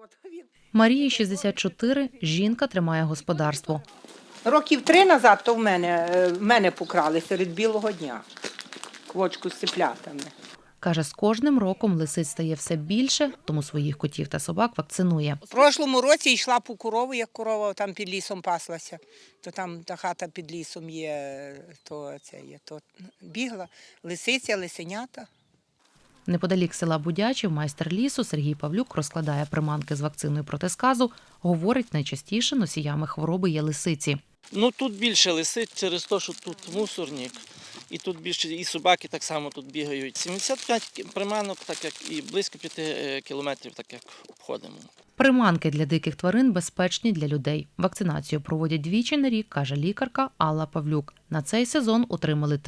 Марії 64, жінка тримає господарство. Років 3 назад то в мене покрали серед білого дня. Квочку з циплятами. Каже, з кожним роком лисиць стає все більше, тому своїх котів та собак вакцинує. В прошлому році йшла по корову, як корова там під лісом паслася. То там та хата під лісом є, то бігла. Лисиця, лисенята. Неподалік села Будячів майстер лісу Сергій Павлюк розкладає приманки з вакциною проти сказу. Говорить, найчастіше носіями хвороби є лисиці. Тут більше лисиць через те, що тут мусорник. І тут більше, і собаки так само тут бігають. 75 приманок, так як і близько 5 кілометрів, так як обходимо. Приманки для диких тварин безпечні для людей. Вакцинацію проводять двічі на рік, каже лікарка Алла Павлюк. На цей сезон отримали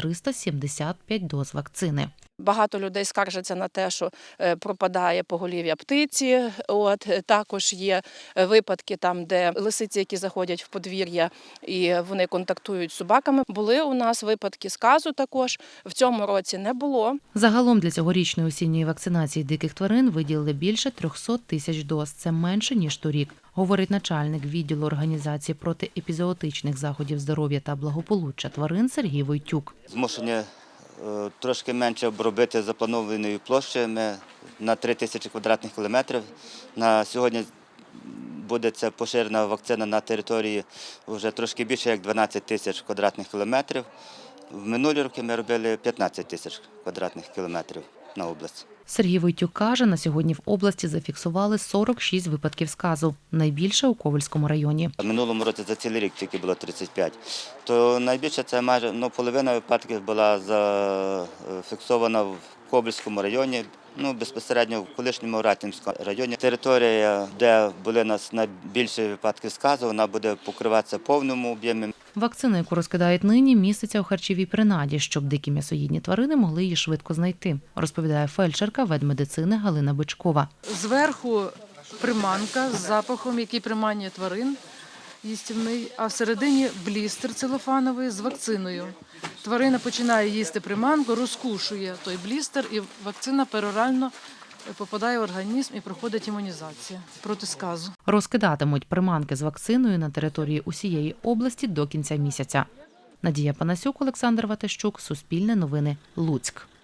375 доз вакцини. Багато людей скаржаться на те, що пропадає поголів'я птиці. Також є випадки там, де лисиці, які заходять в подвір'я і вони контактують з собаками. Були у нас випадки сказу також, в цьому році не було. Загалом для цьогорічної осінньої вакцинації диких тварин виділили більше 300 тисяч доз. Це менше, ніж торік, говорить начальник відділу організації протиепізоотичних заходів здоров'я та благополуччя тварин Сергій Войтюк. Змушені трошки менше обробити запланованої площі. Ми на 3 тисячі квадратних кілометрів. На сьогодні буде ця поширена вакцина на території вже трошки більше, як 12 тисяч квадратних кілометрів. В минулі роки ми робили 15 тисяч квадратних кілометрів на область. Сергій Войтюк каже, на сьогодні в області зафіксували 46 випадків сказу, найбільше у Ковельському районі. В минулому році за цілий рік тільки було 35. То найбільше це майже половина випадків була зафіксована в Ковельському районі, безпосередньо в колишньому Ратнівському районі. Територія, де були у нас найбільші випадки сказу, вона буде покриватися в повному об'ємі. Вакцина, яку розкидають нині, міститься у харчовій принаді, щоб дикі м'ясоїдні тварини могли її швидко знайти, розповідає фельдшерка ветмедицини Галина Бичкова. Зверху приманка з запахом, який приманює тварин їстівний, а всередині блістер целофановий з вакциною. Тварина починає їсти приманку, розкушує той блістер і вакцина перорально попадає в організм і проходить імунізація проти сказу. Розкидатимуть приманки з вакциною на території усієї області до кінця місяця. Надія Панасюк, Олександр Ватащук, Суспільне новини, Луцьк.